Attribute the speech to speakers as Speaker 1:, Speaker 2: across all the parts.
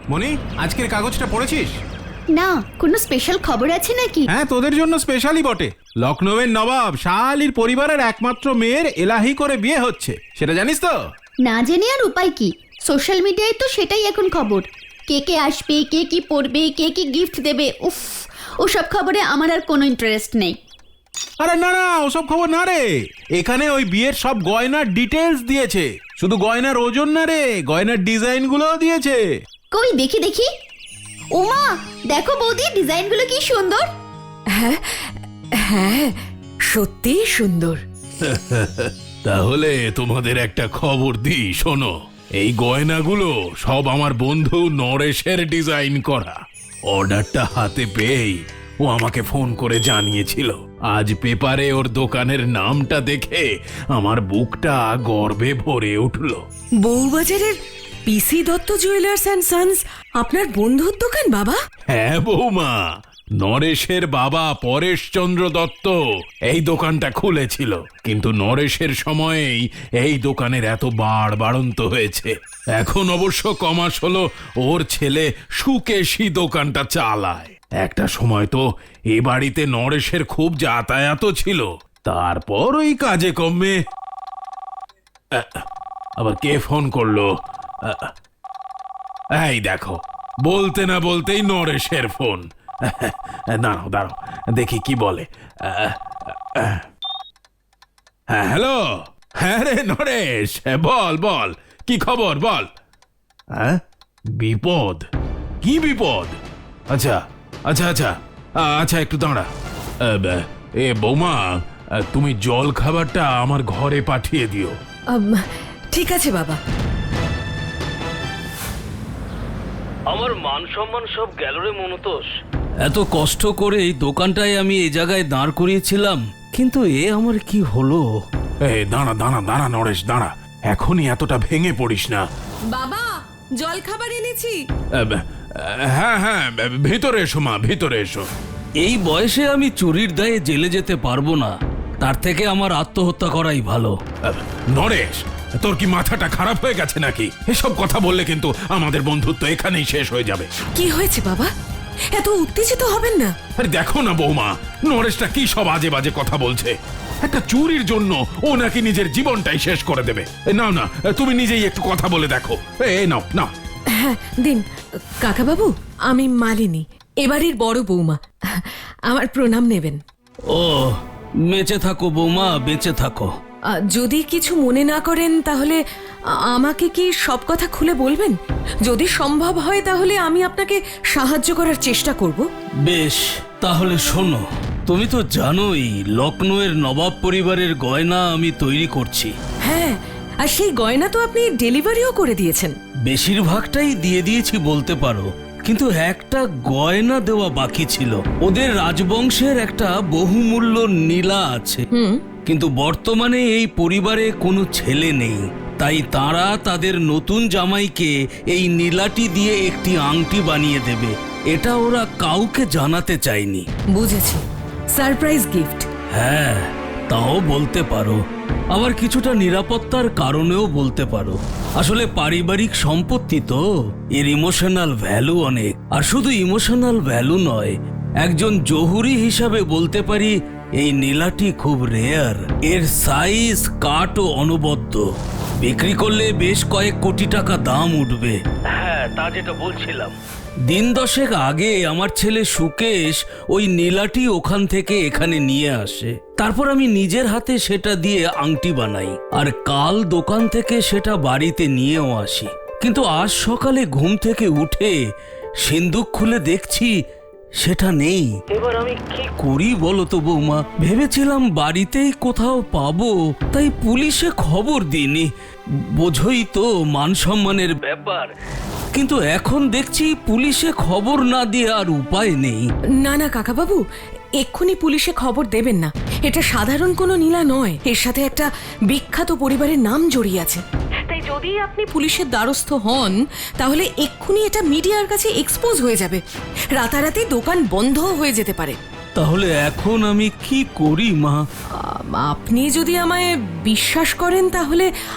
Speaker 1: মনি, আজকের কাগজটা পড়েছিস?
Speaker 2: না, কোনো স্পেশাল খবর আছে নাকি?
Speaker 1: হ্যাঁ, তোদের জন্য স্পেশালি বটে। লখনৌয়ের নবাব শাহ আলীর পরিবারের একমাত্র মেয়ের এলাহি করে বিয়ে হচ্ছে, সেটা জানিস তো?
Speaker 2: না জেনে আর উপায় কি, সোশ্যাল মিডিয়ায় তো সেটাই এখন খবর। কে কে আসবে, কে কি পড়বে, কে কি গিফট দেবে, উফ, ওসব খবরে আমার আর কোনো ইন্টারেস্ট নেই।
Speaker 1: আরে না না, ওসব খবর না রে। এখানে ওই বিয়ের সব গয়নার ডিটেলস দিয়েছে, শুধু গয়নার ওজন না রে, গয়নার ডিজাইন গুলোও দিয়েছে।
Speaker 2: কই দেখি দেখি। ওমা, দেখো বৌদি, ডিজাইনগুলো কি সুন্দর।
Speaker 3: হ্যাঁ হ্যাঁ, সত্যিই সুন্দর।
Speaker 1: তাহলে তোমাদের একটা খবর দিই, শোনো। এই গয়নাগুলো সব আমার বন্ধু নরেশের ডিজাইন করা। অর্ডারটা হাতে পেয়েই ও আমাকে ফোন করে জানিয়েছিল। আজ পেপারে ওর দোকানের নামটা দেখে আমার বুকটা গর্বে ভরে উঠল।
Speaker 3: বউবাজারের PC Dutta jewellers and sons আপনার বন্ধুর দোকান বাবা?
Speaker 1: হ্যাঁ বৌমা, নরেশের বাবা পরেশচন্দ্র দত্ত এই দোকানটা খুলেছিল, কিন্তু নরেশের সময়েই এই দোকানের এত বাড়ন্ত হয়েছে। এখন অবশ্য কমাস হলো ওর ছেলে সুকেশী দোকানটা চালায়। একটা সময় তো এ বাড়িতে নরেশের খুব যাতায়াত ছিল। তারপর ওই কাজে কমে আবার কে ফোন করলো? এই দেখো, বলতে না বলতেই নরেশের ফোন। দাঁড়াও দাঁড়াও, দেখি কি বলে। হ্যাঁ, হ্যালো। হ্যাঁ রে নরেশ, বল বল, কি খবর বল। হ্যাঁ, বিপদ? কি বিপদ? আচ্ছা আচ্ছা আচ্ছা আচ্ছা, একটু দাঁড়া। এ বৌমা, তুমি জল খাবারটা আমার ঘরে পাঠিয়ে দিও।
Speaker 3: ঠিক আছে বাবা।
Speaker 4: আমার মান সম্মান সব গেল রে মনতোষ। এত কষ্ট করে এই দোকানটায় আমি এই জায়গায় দাঁড় করিয়েছিলাম, কিন্তু এ আমার কি হলো?
Speaker 1: দাঁড়া দাঁড়া দাঁড়া নরেশ, দাঁড়া, এখনই এতটা ভেঙে পড়িস না।
Speaker 3: বাবা, জল খাবার এনেছি।
Speaker 1: হ্যাঁ হ্যাঁ, ভিতরে এসো মা, ভিতরে এসো।
Speaker 4: এই বয়সে আমি চুরির দায়ে জেলে যেতে পারবো না, তার থেকে আমার আত্মহত্যা করাই ভালো।
Speaker 1: নরেশ, তোর কি মাথাটা খারাপ হয়ে গেছে নাকি? এসব কথা বললে কিন্তু আমাদের বন্ধুত্ব এখানেই শেষ হয়ে যাবে।
Speaker 3: কি হয়েছে বাবা, এত উত্তেজিত হবেন না।
Speaker 1: আরে দেখো না বৌমা, নরেশটা কি সব আজে বাজে কথা বলছে। একটা চুরির জন্য ও নাকি নিজের জীবনটাই শেষ করে দেবে। নাও না, তুমি নিজেই একটু কথা বলে দেখো। নাও নাও।
Speaker 3: হ্যাঁ দিন। কাকা বাবু, আমি মালিনী, এবাড়ির বড় বৌমা। আমার প্রণাম নেবেন।
Speaker 4: ও, বেঁচে থাকো বৌমা, বেঁচে থাকো।
Speaker 3: যদি কিছু মনে না করেন তাহলে আমাকে কি সব কথা খুলে বলবেন? যদি সম্ভব হয় তাহলে আমি আপনাকে সাহায্য করার চেষ্টা করব।
Speaker 4: বেশ, তাহলে শোনো। তুমি তো জানোই লখনৌয়ের নবাব পরিবারের গয়না আমি তৈরি করছি।
Speaker 3: হ্যাঁ, আর সেই গয়না তো আপনি ডেলিভারিও করে দিয়েছেন।
Speaker 4: বেশিরভাগটাই দিয়ে দিয়েছি বলতে পারো, কিন্তু একটা গয়না দেওয়া বাকি ছিল। ওদের রাজবংশের একটা বহুমূল্য নীলা আছে, কিন্তু বর্তমানে এই পরিবারে কোনো ছেলে নেই, তাই তারা তাদের নতুন জামাইকে এই নীলাটি দিয়ে একটি আংটি বানিয়ে দেবে। এটা ওরা কাউকে জানাতে চায়নি।
Speaker 3: বুঝেছি, সারপ্রাইজ গিফট।
Speaker 4: হ্যাঁ, তাও বলতে পারো, আবার কিছুটা নিরাপত্তার কারণেও বলতে পারো। আসলে পারিবারিক সম্পত্তি তো, এর ইমোশনাল ভ্যালু অনেক। আর শুধু ইমোশনাল ভ্যালু নয়, একজন জহুরি হিসাবে বলতে পারি এই নীলাটি খুব রেয়ার। এর সাইজ, কাটও অনবদ্য। বিক্রি করলে বেশ কয়েক কোটি টাকা দাম উঠবে। হ্যাঁ, তা যেটা বলছিলাম, দিন দশেক আগে আমার ছেলে সুকেশ ওই নীলাটি ওখান থেকে এখানে নিয়ে আসে। তারপর আমি নিজের হাতে সেটা দিয়ে আংটি বানাই, আর কাল দোকান থেকে সেটা বাড়িতে নিয়েও আসি। কিন্তু আজ সকালে ঘুম থেকে উঠে সিন্দুক খুলে দেখছি সেটা নেই। এবার আমি কি করি বলো তো বৌমা? ভেবেছিলাম বাড়িতেই কোথাও পাবো, তাই পুলিশে খবর দিইনি। বোঝই তো, মান সম্মানের ব্যাপার। কিন্তু এখন দেখছি পুলিশে খবর না দিয়ে আর উপায় নেই।
Speaker 3: না না কাকা বাবু, এক্ষুনি পুলিশে খবর দেবেন না। এটা সাধারণ কোনো নীলা নয়, এর সাথে একটা বিখ্যাত পরিবারের নাম জড়িয়ে আছে। তাই যদি আপনি পুলিশের দ্বারস্থ হন তাহলে এক্ষুনি এটা মিডিয়ার কাছে এক্সপোজ হয়ে যাবে। রাতারাতি দোকান বন্ধও হয়ে যেতে পারে।
Speaker 4: তাহলে এখন আমি কি করি মা?
Speaker 3: আপনি যদি আমায় বিশ্বাস করেন তাহলে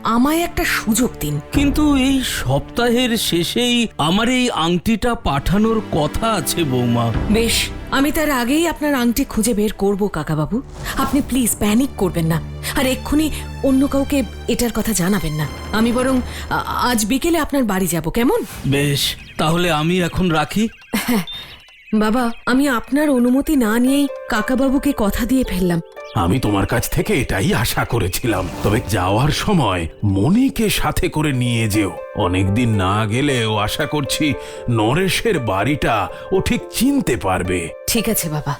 Speaker 3: আমায় একটা সুযোগ দিন।
Speaker 4: কিন্তু এই সপ্তাহের শেষেই আমার এই আংটিটা পাঠানোর কথা আছে বৌমা।
Speaker 3: বেশ, আমি তার আগেই আপনার আংটি খুঁজে বের করব কাকাবাবু। আপনি প্লিজ প্যানিক করবেন না, আর এক্ষুনি অন্য কাউকে এটার কথা জানাবেন না। আমি বরং আজ বিকেলে আপনার বাড়ি যাব, কেমন?
Speaker 4: বেশ, তাহলে আমি এখন রাখি।
Speaker 3: বাবা, আমি আপনার অনুমতি না নিয়েই কাকাবাবুকে কথা দিয়ে ফেললাম।
Speaker 1: আমি তোমার কাছ থেকে এটাই আশা করেছিলাম। তবে যাওয়ার সময় মনিকে সাথে করে নিয়ে যেও। অনেকদিন না গেলেও আশা করছি নরেশের বাড়িটা ও ঠিক চিনতে পারবে।
Speaker 3: ঠিক আছে বাবা।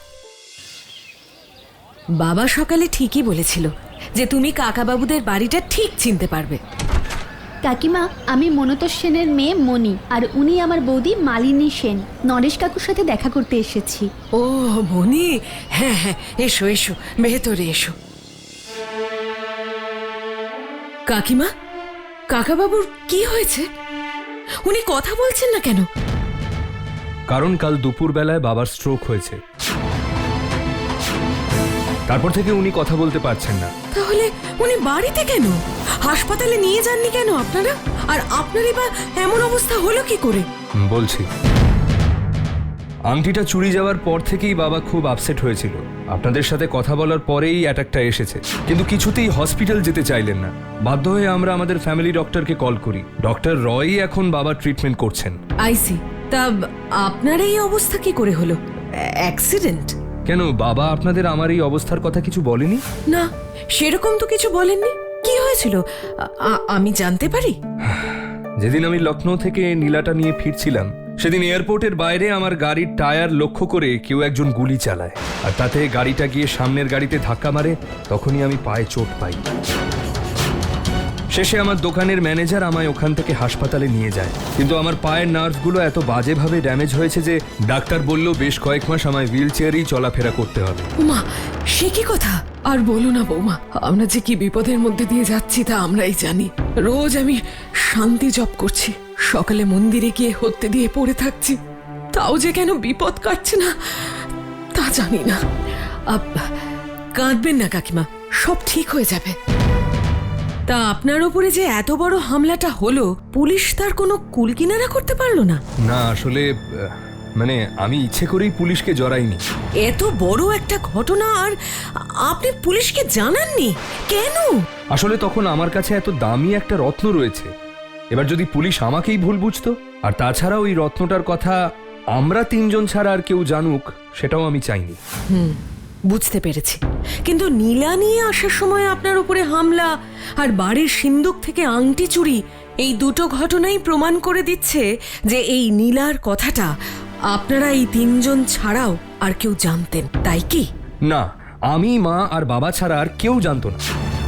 Speaker 3: বাবা সকালে ঠিকই বলেছিল যে তুমি কাকাবাবুদের বাড়িটা ঠিক চিনতে পারবে।
Speaker 2: কাকিমা, আমি মনতোষ সেনের মেয়ে মনি, আর উনি আমার বৌদি মালিনী সেন। নরেশ কাকুর সাথে দেখা করতে এসেছি।
Speaker 3: ও মনি, হ্যাঁ হ্যাঁ, এসো এসো, ভেতরে এসো। কাকিমা, কাকাবাবুর কি হয়েছে? উনি কথা বলছেন না কেন?
Speaker 5: কারণ কাল দুপুরবেলায় বাবার স্ট্রোক হয়েছে, তারপর থেকে উনি কথা বলতে পারছেন না।
Speaker 3: তাহলে উনি বাড়িতে কেন? হাসপাতালে নিয়ে যাননি কেন আপনারা? আর আপনারই বা এমন অবস্থা হলো কি করে?
Speaker 5: বলছি, আংটিটা চুরি যাওয়ার পর থেকেই বাবা খুব আপসেট হয়েছিল। আপনাদের সাথে কথা বলার পরেই অ্যাটাকটা এসেছে, কিন্তু কিছুতেই হসপিটাল যেতে চাইলেন না। বাধ্য হয়ে আমরা আমাদের ফ্যামিলি ডক্টরকে কল করি। ডক্টর রয়ই এখন বাবার ট্রিটমেন্ট করছেন।
Speaker 3: আইসি। তা আপনার এই অবস্থা কি করে হলো? অ্যাক্সিডেন্ট?
Speaker 5: কেন, বাবা আপনাদের আমার এই অবস্থার কথা কিছু বলেনি?
Speaker 3: না, সেরকম তো কিছু বলেননি। কি হয়েছিল আমি জানতে পারি?
Speaker 5: যেদিন আমি লখনৌ থেকে নীলাটা নিয়ে ফিরছিলাম, সেদিন এয়ারপোর্টের বাইরে আমার গাড়ির টায়ার লক্ষ্য করে কেউ একজন গুলি চালায়, আর তাতে গাড়িটা গিয়ে সামনের গাড়িতে ধাক্কা মারে। তখনই আমি পায়ে চোট পাই। শেষে আমার দোকানের ম্যানেজার আমায় ওখান থেকে হাসপাতালে নিয়ে যায়, কিন্তু আমার পায়ের নার্ভগুলো এত বাজেভাবে ড্যামেজ হয়েছে যে ডাক্তার বলল বেশ কয়েক মাস আমায় হুইল চেয়ারেই চলাফেরা করতে হবে।
Speaker 3: মা, সে কি কথা? আর বলো না বৌমা, আমরা যে কি বিপদের মধ্যে দিয়ে যাচ্ছি তা আমরাই জানি। রোজ আমি শান্তি জপ করছি, সকালে মন্দিরে গিয়ে হত্যে দিয়ে পড়ে থাকছি, তাও যে কেন বিপদ কাটছে না তা জানি না। কাঁদবেন না কাকিমা, সব ঠিক হয়ে যাবে। তা আপনার উপরে যে এত বড় হামলাটা হলো, পুলিশ তার কোনো কুলকিনারা করতে পারলো না?
Speaker 5: না, আসলে মানে আমি ইচ্ছে করেই পুলিশকে জড়াইনি।
Speaker 3: এত বড় একটা ঘটনা আর আপনি পুলিশকে জানাননি কেন?
Speaker 5: আসলে তখন আমার কাছে এত দামি একটা রত্ন রয়েছে, এবার যদি পুলিশ আমাকেই ভুল বুঝতো। আর তাছাড়া ওই রত্নটার কথা আমরা তিনজন ছাড়া আর কেউ জানুক, সেটাও আমি চাইনি।
Speaker 3: বুঝতে পেরেছি, কিন্তু নীলা নিয়ে আসার সময় আপনার উপরে হামলা আর বাড়ির সিন্দুক থেকে আংটি চুরি, এই দুটো ঘটনাই প্রমাণ করে দিচ্ছে যে এই নীলার কথাটা আপনারা এই তিনজন ছাড়াও আর কেউ জানতেন, তাই কি?
Speaker 5: না, আমি, মা আর বাবা ছাড়া আর কেউ জানতো না।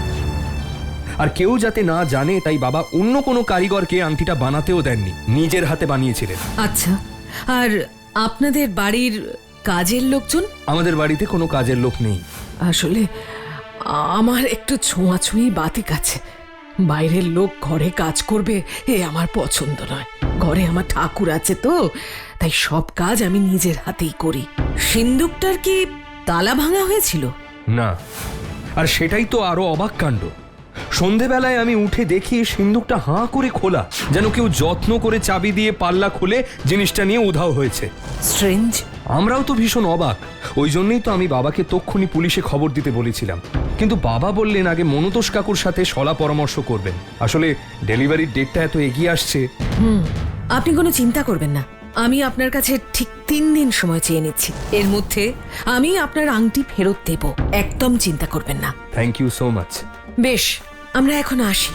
Speaker 5: আর কেউ যাতে না জানে তাই বাবা অন্য কোনো কারিগরকে আংটিটা বানাতেও দেননি, নিজের হাতে বানিয়েছিলেন।
Speaker 3: আচ্ছা, আর আপনাদের বাড়ির কাজের লোকজন?
Speaker 5: আমাদের বাড়িতে কোনো কাজের লোক নেই।
Speaker 3: আসলে আমার একটু ছোঁয়াছুঁই বাতিক আছে। বাইরের লোক ঘরে কাজ করবে এ আমার পছন্দ নয়। ঘরে আমার ঠাকুর আছে তো, তাই সব কাজ আমি নিজের হাতেই করি। সিন্দুকটার কি তালা ভাঙা হয়েছিল?
Speaker 5: না, আর সেটাই তো আরো অবাক কাণ্ড। সন্ধেবেলায় আমি উঠে দেখি সিন্দুকটা হাঁ করে খোলা, যেন কেউ যত্ন করে চাবি দিয়ে পাল্লা খুলে জিনিসটা নিয়ে উধাও হয়েছে।
Speaker 3: স্ট্রেঞ্জ।
Speaker 5: আমরাও তো ভীষণ অবাক। ওই জন্যই তো আমি বাবাকে তক্ষুনি পুলিশে খবর দিতে বলেছিলাম, কিন্তু বাবা বললেন আগে মনতোষ কাকুর সাথে সলা পরামর্শ করবেন। আসলে ডেলিভারির ডেটটা এত এগিয়ে আসছে।
Speaker 3: আপনি কোনো চিন্তা করবেন না, আমি আপনার কাছে ঠিক 3 দিন সময় চেয়ে নিচ্ছি। এর মধ্যে আমি আপনার আংটি ফেরত দেব, একদম চিন্তা করবেন না।
Speaker 5: Thank you so much.
Speaker 3: বেশ, আমরা এখন আসি।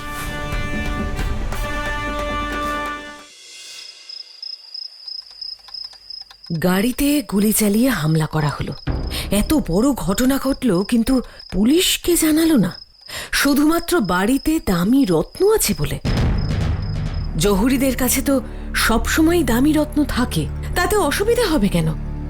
Speaker 3: গাড়িতে গুলি চালিয়ে হামলা করা হলো, এত বড় ঘটনা ঘটলো, কিন্তু পুলিশকে জানালো না, শুধুমাত্র বাড়িতে দামি রত্ন আছে বলে। জহুরিদের কাছে তো সবসময় দামি রত্ন থাকে, তাতে অসুবিধা হবে কেন?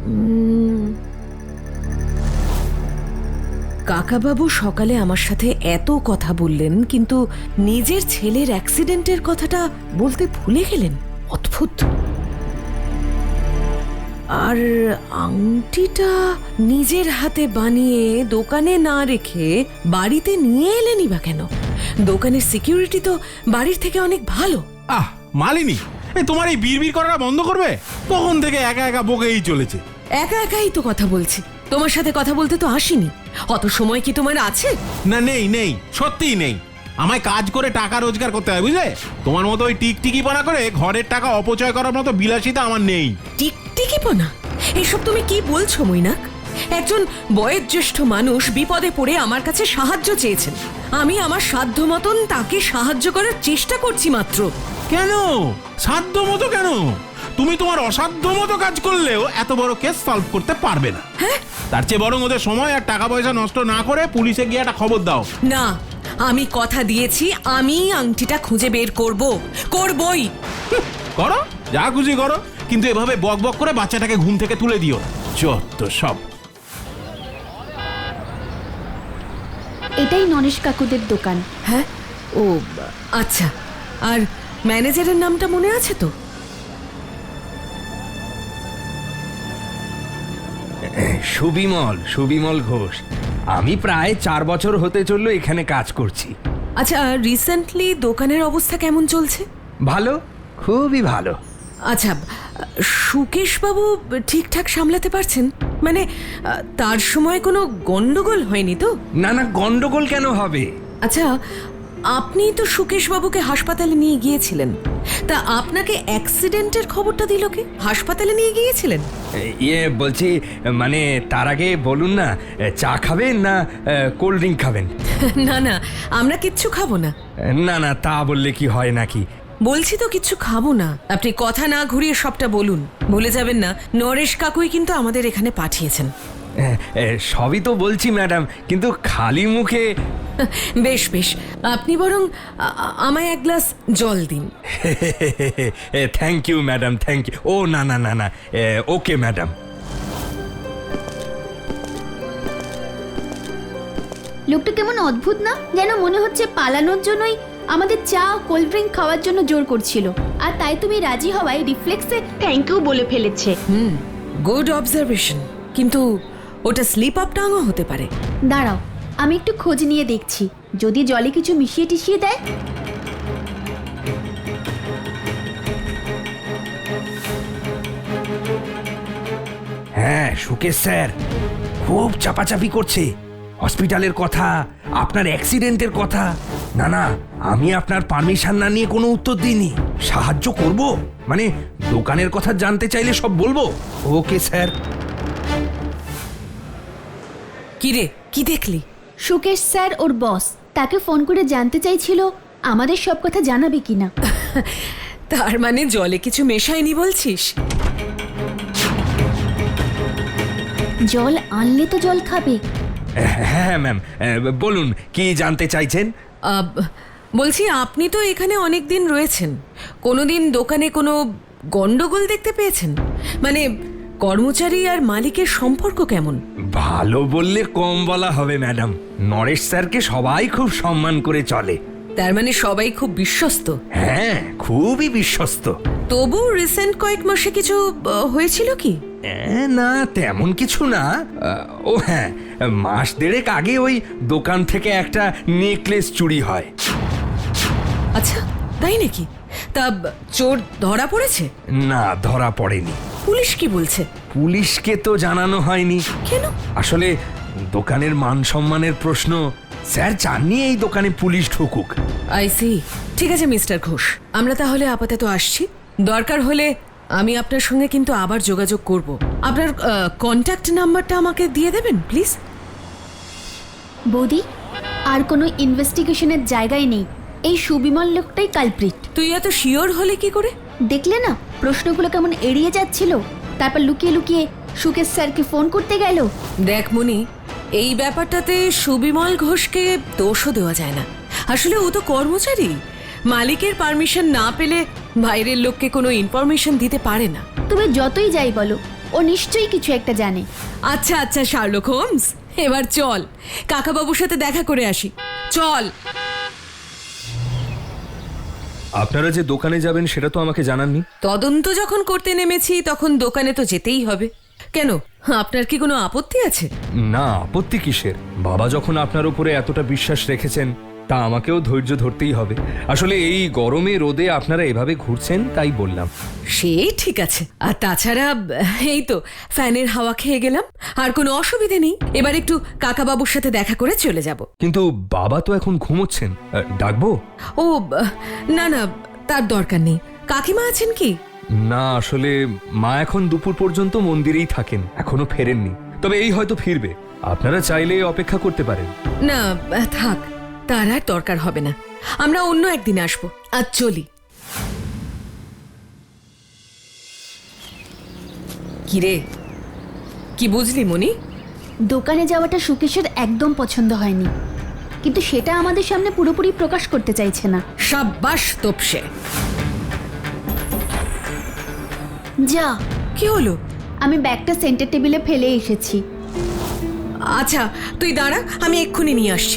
Speaker 3: কাকাবাবু সকালে আমার সাথে এত কথা বললেন, কিন্তু নিজের ছেলের অ্যাক্সিডেন্টের কথাটা বলতে ভুলে গেলেন। অদ্ভুত। আর আংটিটা নিজের হাতে বানিয়ে দোকানে না রেখে বাড়িতে নিয়ে এলেনি বা কেন? দোকানের সিকিউরিটি তো বাড়ির থেকে অনেক ভালো।
Speaker 1: আহ মালিনী, তোমার এই বিড়বিড় করাটা বন্ধ করবে? তখন থেকে একা একা বকেই চলেছে।
Speaker 3: একা একাই তো কথা বলছি, তোমার সাথে কথা বলতে তো আসিনি। অত সময় কি তোমার আছে?
Speaker 1: না, নেই নেই, সত্যিই নেই। আমায় কাজ করে টাকা রোজগার করতে হয়, বুঝলে? তোমার মতো ওই টিকটিকিপনা করে ঘরের টাকা অপচয় করার মতো বিলাসিতা আমার নেই।
Speaker 3: টিকটিকিপনা? এসব তুমি কি বলছো মৈনাক? একজন বয়োজ্যেষ্ঠ মানুষ বিপদে পড়ে আমার কাছে সাহায্য চেয়েছেন, আমি আমার সাধ্য মতন তাকে সাহায্য করার চেষ্টা করছি মাত্র।
Speaker 1: কেন সাধ্য মতো কেন? তুমি তোমার অসাধ্য মতো কাজ করলেও এত বড় কেস সলভ করতে পারবে না। তার চেয়ে বরং ওদের সময় আর টাকা পয়সা নষ্ট না করে পুলিশে গিয়ে একটা খবর দাও।
Speaker 3: না, আমি কথা দিয়েছি আমি আংটিটা খুঁজে বের করবই।
Speaker 1: করো, যা খুশি করো, কিন্তু এভাবে বক বক করে বাচ্চাটাকে ঘুম থেকে তুলে দিও না। যত সব।
Speaker 2: এটাই নরেশ কাকুদের দোকান।
Speaker 3: হ্যাঁ, ও আচ্ছা। আর ম্যানেজারের নামটা মনে আছে তো?
Speaker 5: সুবিমল ঘোষ। আমি প্রায় 4 বছর হতে চললো এখানে কাজ করছি।
Speaker 3: আচ্ছা, রিসেন্টলি দোকানের অবস্থা কেমন চলছে?
Speaker 5: ভালো, খুবই ভালো।
Speaker 3: আচ্ছা, সুকেশ বাবু ঠিকঠাক সামলাতে পারছেন? মানে তার সময় কোনো গন্ডগোল হয়নি তো?
Speaker 5: না, গন্ডগোল কেন হবে?
Speaker 3: আচ্ছা, আপনি তো সুকেশ বাবুকে হাসপাতালে নিয়ে গিয়েছিলেন, তা আপনাকে অ্যাক্সিডেন্টের খবরটা দিল কে? হাসপাতালে নিয়ে গিয়েছিলেন?
Speaker 5: বলছি, মানে তার আগে বলুন না, চা খাবেন না কোল্ড ড্রিঙ্ক খাবেন?
Speaker 3: না, আমরা কিচ্ছু খাবো না।
Speaker 5: না, তা বললে কি হয় নাকি?
Speaker 3: বলছি তো কিচ্ছু খাবো না। আপনি কথা না ঘুরিয়ে সবটা বলুন। ভুলে যাবেন না, নরেশ কাকুই কিন্তু আমাদের এখানে পাঠিয়েছেন।
Speaker 5: সবই তো বলছি ম্যাডাম, কিন্তু খালি মুখে।
Speaker 3: বেশ, আপনি বরং আমায় এক গ্লাস জল দিন।
Speaker 5: Thank you madam, thank you. ও না, ওকে ম্যাডাম।
Speaker 2: লোকটা কেমন অদ্ভুত না? যেন মনে হচ্ছে পালানোর জন্যই আমাদের চা কোল্ড ড্রিঙ্ক খাওয়ার জন্য জোর করছিল, আর তাই তুমি রাজি হওয়ায় রিফ্লেক্সে থ্যাংক ইউ বলে ফেলেছে।
Speaker 3: গুড অবজারভেশন, কিন্তু ওটা স্লিপ আপ টাংও হতে পারে।
Speaker 2: দাঁড়াও, আমি একটু খোঁজ নিয়ে দেখছি, যদি জলে কিছু মিশিয়ে টিশিয়ে দেয়।
Speaker 5: হ্যাঁ, সুকেশ স্যার খুব চাপাচাপি করছে হসপিটালের কথা, আপনার অ্যাক্সিডেন্টের কথা। না, আমি আপনার পারমিশন না নিয়ে কোনো উত্তর দিইনি। সাহায্য করব মানে দোকানের কথা জানতে চাইলে সব বলবো। Okay sir.
Speaker 3: কি রে, কি দেখলি?
Speaker 2: সুকেশ স্যার ওর বস, তাকে ফোন করে জানতে চাইছিল আমাদের সব কথা জানাবে কিনা।
Speaker 3: তার মানে জলে কিছু মেশায়নি বলছিস?
Speaker 2: জল আনলে তো জল খাবে।
Speaker 5: হ্যাঁ ম্যাম, বলুন কি জানতে চাইছেন?
Speaker 3: বলছি, আপনি তো এখানে অনেক দিন রয়েছেন, কোনোদিন দোকানে কোনো গন্ডগোল দেখতে পেয়েছেন? মানে কর্মচারী আর মালিকের সম্পর্ক কেমন?
Speaker 5: ভালো বললে কম বলা হবে ম্যাডাম। নরেশ স্যারকে সবাই খুব সম্মান করে চলে।
Speaker 3: তার মানে সবাই খুব বিশ্বস্ত?
Speaker 5: হ্যাঁ, খুবই বিশ্বস্ত।
Speaker 3: তবু রিসেন্ট কয়েক মাসে কিছু হয়েছিল কি?
Speaker 5: না, তেমন কিছু না। ও হ্যাঁ, মাস দেড়েক আগে ওই দোকান থেকে একটা নেকলেস চুরি হয়।
Speaker 3: আচ্ছা, তাই নাকি? তা চোর ধরা পড়েছে?
Speaker 5: না, ধরা পড়েনি।
Speaker 3: পুলিশ কি বলছে?
Speaker 5: পুলিশকে তো জানানো হয়নি।
Speaker 3: কেন?
Speaker 5: আসলে দোকানের মান সম্মানের প্রশ্ন, স্যার চাননি এই দোকানে পুলিশ ঢুকুক।
Speaker 3: I C. ঠিক আছে মিস্টার ঘোষ, আমরা তাহলে আপাতত আসছি। দরকার হলে আমি আপনার সঙ্গে কিন্তু আবার যোগাযোগ করব। আপনার কন্ট্যাক্ট নাম্বারটা আমাকে দিয়ে দেবেন প্লিজ।
Speaker 2: বৌদি, আর কোনো ইনভেস্টিগেশনের জায়গায় নেই, এই সুবিমল লোকটাই কালপ্রিট।
Speaker 3: তুই এত শিওর হলে কি করে?
Speaker 2: দেখলে না প্রশ্নগুলো কেমন এড়িয়ে যাচ্ছিল, তারপর লুকিয়ে লুকিয়ে সুকেশ স্যারকে ফোন করতে গেল।
Speaker 3: দেখ মনি, এই ব্যাপারটাতে সুবিমল ঘোষকে দোষও দেওয়া যায় না। আসলে ও তো কর্মচারী, মালিকের পারমিশন না পেলে বাইরের লোককে কোনো ইনফরমেশন দিতে পারে না।
Speaker 2: তুমি যতই যাই বলো, ও নিশ্চয়ই কিছু একটা জানে।
Speaker 3: আচ্ছা শার্লক হোমস, এবার চল কাকাবাবুর সাথে দেখা করে আসি। চল।
Speaker 5: আপনারা যে দোকানে যাবেন সেটা তো আমাকে জানাননি।
Speaker 3: তদন্ত যখন করতে নেমেছি তখন দোকানে তো যেতেই হবে। কেন, আপনার কি কোনো আপত্তি আছে?
Speaker 5: না, আপত্তি কিসের? বাবা যখন আপনার উপরে এতটা বিশ্বাস রেখেছেন তা আমাকেও ধৈর্য ধরতেই হবে। আসলে এই গরমে রোদে আপনারা এভাবে ঘুরছেন তাই বললাম।
Speaker 3: সে ঠিক আছে, আর তাছাড়া এই তো ফ্যানের হাওয়া খেয়ে গেলাম, আর কোনো অসুবিধে নেই। এবার একটু কাকাবাবুর সাথে দেখা করে চলে যাব।
Speaker 5: কিন্তু বাবা তো এখন ঘুমোচ্ছেন, ডাকবো?
Speaker 3: ও না না, তার দরকার নেই। কাকিমা আছেন কি?
Speaker 5: না, আসলে মা এখন দুপুর পর্যন্ত মন্দিরেই থাকেন, এখনো ফেরেননি। তবে এই হয়তো ফিরবে, আপনারা চাইলে অপেক্ষা করতে পারেন।
Speaker 3: না থাক, তার আর দরকার হবে না। আমরা অন্য একদিন আসবো। আজ চলি। কিরে, কি বুঝলি মনি?
Speaker 2: দোকানে যাওয়াটা সুকেশের একদম পছন্দ হয়নি, কিন্তু সেটা আমাদের সামনে পুরোপুরি প্রকাশ করতে চাইছে না।
Speaker 3: সাব্বাস তোপসে।
Speaker 2: যা,
Speaker 3: কি হলো?
Speaker 2: আমি ব্যাগটা সেন্টার টেবিলে ফেলে এসেছি।
Speaker 3: আচ্ছা তুই দাঁড়া, আমি এক্ষুনি নিয়ে আসছি।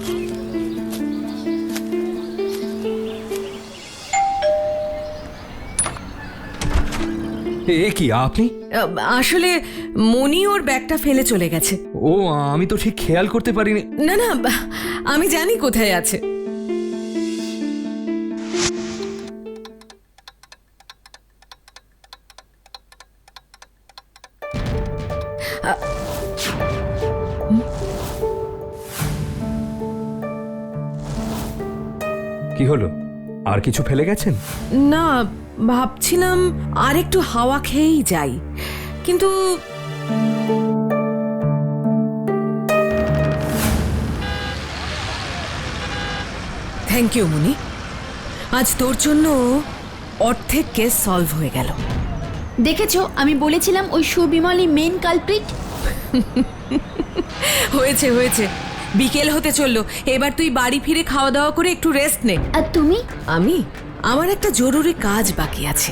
Speaker 5: এ কি আপনি?
Speaker 3: আসলে মনি ওর ব্যাগটা ফেলে চলে গেছে।
Speaker 5: ও, আমি তো ঠিক খেয়াল করতে পারিনি।
Speaker 3: না না, আমি জানি কোথায় আছে।
Speaker 5: কি হলো, আর কিছু ফেলে গেছেন?
Speaker 3: না, ভাবছিলাম আর একটু হাওয়া খেয়েই যাই, কিন্তু থ্যাংক ইউ মনি। আজ তোর জন্য অর্ধেক কেস সলভ হয়ে গেল।
Speaker 2: দেখেছো, আমি বলেছিলাম ওই সুবিমলই মেন কালপ্রিট।
Speaker 3: হয়েছে হয়েছে, বিকেল হতে চললো। এবার তুই বাড়ি ফিরে খাওয়া দাওয়া করে একটু রেস্ট নে।
Speaker 2: আর তুমি?
Speaker 3: আমার একটা জরুরি কাজ বাকি আছে।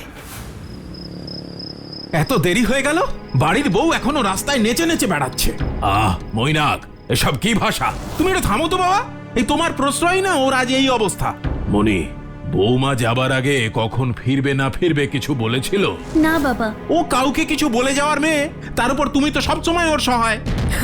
Speaker 1: এত দেরি হয়ে গেল, বাড়ির বউ এখনো রাস্তায় নেচে নেচে বেড়াচ্ছে। মৈনাক, এসব কি ভাষা? তুমি এটা থামো তো বাবা। এই তোমার প্রশ্রয় না ওর আজ এই অবস্থা। মনি, বৌমা যাবার আগে কখন ফিরবে না ফিরবে কিছু বলেছিল?
Speaker 2: না বাবা।
Speaker 1: ও কাউকে কিছু বলে যাওয়ার মেয়ে, তার উপর তুমি তো সবসময় ওর সহায়।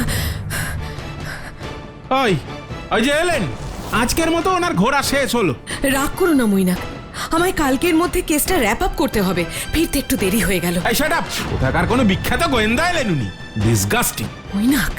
Speaker 1: ওই যে এলেন, আজকের মতো ওনার ঘোরা শেষ হলো।
Speaker 3: রাগ করো না মৈনাক, আমায় কালকের মধ্যে কেসটা র্যাপ আপ করতে হবে। ফিরতে একটু দেরি হয়ে গেল।
Speaker 1: এই শাট আপ! কোথাকার কোনো বিখ্যাত গোয়েন্দা এলেন উনি? ডিসগাস্টিং।
Speaker 3: মৈনাক,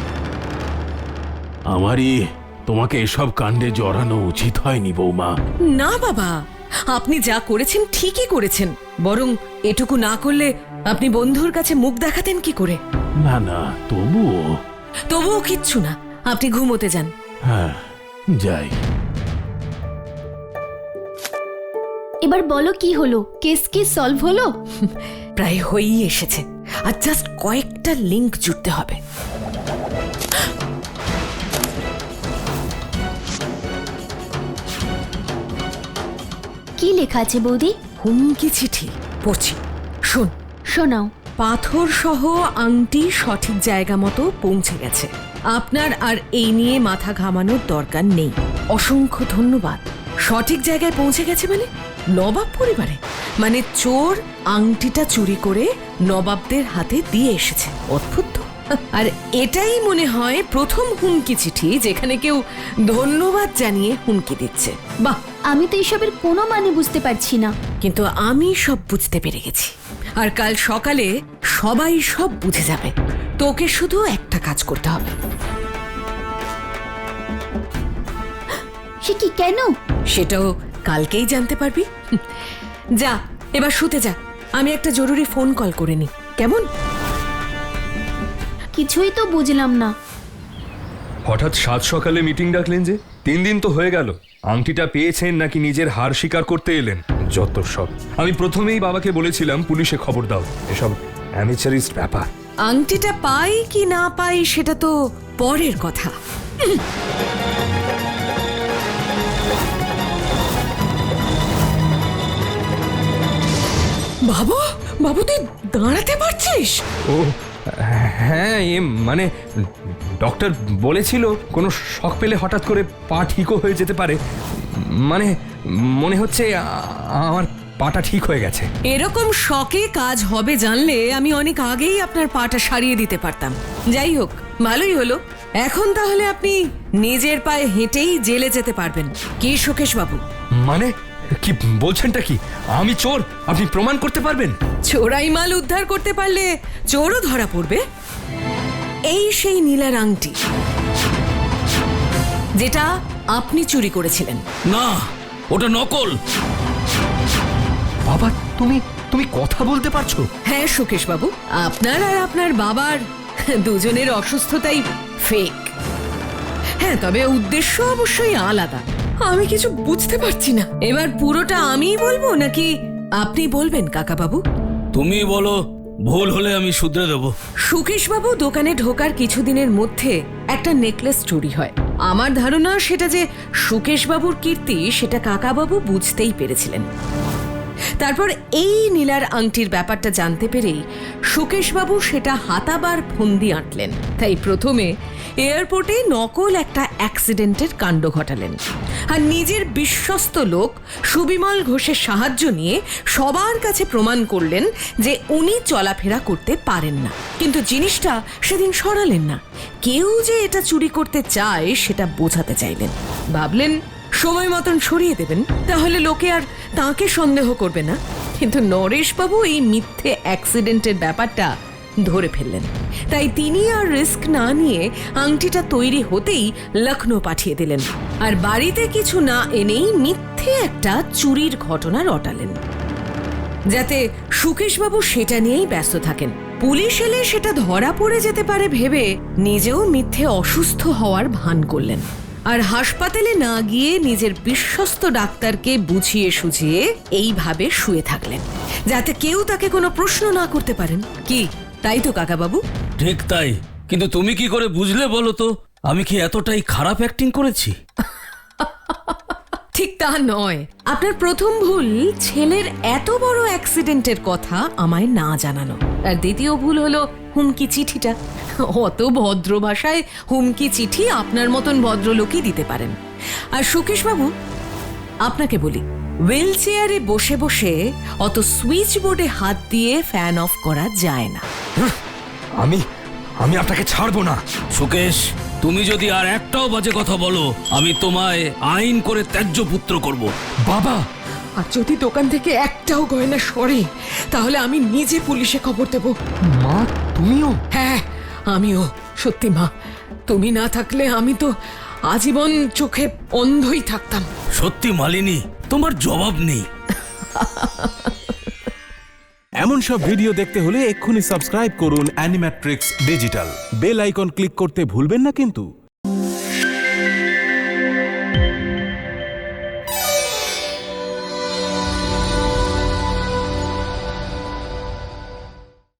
Speaker 1: আমারই তোমাকে এসব কাণ্ডে জড়ানো উচিত হয়নি বৌমা।
Speaker 3: না বাবা, আপনি যা করেছেন ঠিকই করেছেন। বরং এটুকু না করলে আপনি বন্ধুর কাছে মুখ দেখাতেন কি করে?
Speaker 1: না না,
Speaker 3: তবুও কিচ্ছু না, আপনি ঘুমোতে যান।
Speaker 1: হ্যাঁ, যাই।
Speaker 2: এবার বলো কি হলো, কেস কি সলভ হলো?
Speaker 3: প্রায় হয়েই এসেছে, আর জাস্ট কয়েকটা লিংক জুড়তে হবে।
Speaker 2: কি লেখা আছে বৌদি?
Speaker 3: হুমকি চিঠি পড়ছি, শোন।
Speaker 2: শোনাও।
Speaker 3: পাথর সহ আংটি সঠিক জায়গা মতো পৌঁছে গেছে। আপনার আর এই নিয়ে মাথা ঘামানোর দরকার নেই। অসংখ্য ধন্যবাদ। সঠিক জায়গায় পৌঁছে গেছে মানে নবাব পরিবারে, মানে চোর আংটিটা চুরি করে নবাবদের হাতে দিয়ে এসেছে। অদ্ভুত তো। আর এটাই মনে হয় প্রথম হুমকি চিঠি যেখানে কেউ ধন্যবাদ জানিয়ে হুমকি দিচ্ছে। বাহ!
Speaker 2: আমি তো এসবের কোনো মানে বুঝতে পারছি না।
Speaker 3: কিন্তু আমি সব বুঝতে পেরে গেছি, আর কাল সকালে সবাই সব বুঝে যাবে। তোকে শুধু একটা কাজ করতে হবে।
Speaker 2: সে কি, কেন?
Speaker 3: সেটাও কালকেই জানতে পারবি। যা, এবার শুতে যা। আমি একটা জরুরি ফোন কল করে নি, কেমন?
Speaker 2: কিছুই তো বুঝলাম না।
Speaker 5: হঠাৎ সাত সকালে মিটিং ডাকলেন যে? 3 দিন তো হয়ে গেল। আংটিটা পেয়েছেন নাকি নিজের হার স্বীকার করতে এলেন? যত সব। আমি প্রথমেই বাবাকে বলেছিলাম পুলিশে খবর দাও, এসব অ্যামেচারিস্ট ব্যাপার।
Speaker 3: আংটিটা পাই কি না পাই সেটা তো পরের কথা। বাবু, বাবু তুই দাঁড়াতে পারছিস?
Speaker 5: ও হ্যাঁ, মানে ডক্টর বলেছিল কোনো শক পেলে হঠাৎ করে পা ঠিকও হয়ে যেতে পারে। মানে মনে হচ্ছে আমার পাটা ঠিক হয়ে গেছে।
Speaker 3: এরকম শখে কাজ হবে জানলে আমি অনেক আগেই আপনার পাটা সারিয়ে দিতে পারতাম। যাই হোক, ভালোই হলো। এখন তাহলে আপনি নিজের পায়ে হেঁটেই জেলে যেতে পারবেন, কি সুকেশ বাবু?
Speaker 5: মানে কি বলছেনটা কি? আমি চোর, আপনি প্রমাণ করতে পারবেন?
Speaker 3: চোরাই মাল উদ্ধার করতে পারলে চোরও ধরা পড়বে। এই সেই নীলার আংটি যেটা আপনি চুরি করেছিলেন।
Speaker 4: না, ওটা নকল।
Speaker 5: বাবা, তুমি কথা বলতে পারছো?
Speaker 3: হ্যাঁ সুকেশ বাবু, আপনার আর আপনার বাবার দুজনের অসুস্থতাই ফেক। হ্যাঁ, তবে উদ্দেশ্য অবশ্যই আলাদা। আমি কিছু বুঝতে পারছি না। এবার পুরোটা আমিই বলবো নাকি আপনি বলবেন কাকা বাবু?
Speaker 4: তুমি বলো, ভুল হলে আমি শুধরে দেবো।
Speaker 3: সুকেশ বাবু দোকানে ঢোকার কিছুদিনের মধ্যে একটা নেকলেস চুরি হয়। আমার ধারণা সেটা যে সুকেশ বাবুর কীর্তি সেটা কাকা বাবু বুঝতেই পেরেছিলেন। তারপর এই নীলার আংটির ব্যাপারটা জানতে পেরেই সুকেশবাবু সেটা হাতাবার ফন্দি আঁটলেন। তাই প্রথমে এয়ারপোর্টে নকল একটা অ্যাক্সিডেন্টের কাণ্ড ঘটালেন, আর নিজের বিশ্বস্ত লোক সুবিমল ঘোষের সাহায্য নিয়ে সবার কাছে প্রমাণ করলেন যে উনি চলাফেরা করতে পারেন না। কিন্তু জিনিসটা সেদিন সরালেন না। কেউ যে এটা চুরি করতে চায় সেটা বোঝাতে চাইলেন। ভাবলেন সময় মতন সরিয়ে দেবেন, তাহলে লোকে আর তাঁকে সন্দেহ করবে না। কিন্তু নরেশবাবু এই মিথ্যে অ্যাক্সিডেন্টের ব্যাপারটা ধরে ফেললেন। তাই তিনি আর রিস্ক না নিয়ে আংটিটা তৈরি হতেই লখনৌ পাঠিয়ে দিলেন, আর বাড়িতে কিছু না এনেই মিথ্যে একটা চুরির ঘটনা রটালেন, যাতে সুকেশবাবু সেটা নিয়েই ব্যস্ত থাকেন। পুলিশ এলে সেটা ধরা পড়ে যেতে পারে ভেবে নিজেও মিথ্যে অসুস্থ হওয়ার ভান করলেন, আর হাসপাতালে না গিয়ে নিজের বিশ্বস্ত ডাক্তারকে বুঝিয়ে সুঝিয়ে এইভাবে শুয়ে থাকলেন, যাতে কেউ তাকে কোনো প্রশ্ন না করতে পারেন। কি তাই তো কাকা বাবু?
Speaker 4: ঠিক তাই, কিন্তু তুমি কি করে বুঝলে বলো তো? আমি কি এতটাই খারাপ অ্যাক্টিং করেছি?
Speaker 3: ঠিক তা নয়। আপনার প্রথম ভুল ছেলের এত বড় অ্যাক্সিডেন্টের কথা আমায় না জানানো, আর দ্বিতীয় ভুল হলো হুমকি চিঠিটা। অত ভদ্র ভাষায় হুমকি চিঠি আপনার মতন ভদ্রলোকই দিতে পারেন। আর সুকেশ বাবু, আপনাকে বলি, হুইল চেয়ারে বসে বসে অত সুইচ বোর্ডে হাত দিয়ে ফ্যান অফ করা যায় না।
Speaker 5: আমি আপনাকে ছাড়বো না।
Speaker 4: সুকেশ, তুমি যদি আর একটাও বাজে কথা বলো, আমি তোমায় আইন করে ত্যায্য পুত্র করব।
Speaker 5: বাবা,
Speaker 3: আর যদি দোকান থেকে একটাও গয়না সরে, তাহলে আমি নিজে পুলিশে খবর দেব।
Speaker 5: মা তুমিও?
Speaker 3: হ্যাঁ, আমিও। সত্যি মা, তুমি না থাকলে আমি তো আজীবন চোখে অন্ধই থাকতাম।
Speaker 4: সত্যি মালিনী, তোমার জবাব নেই।
Speaker 6: এমন সব ভিডিও দেখতে হলে এক্ষুনি সাবস্ক্রাইব করুন Animatrix digital. Bell icon click করতে ভুলবেন না কিন্তু।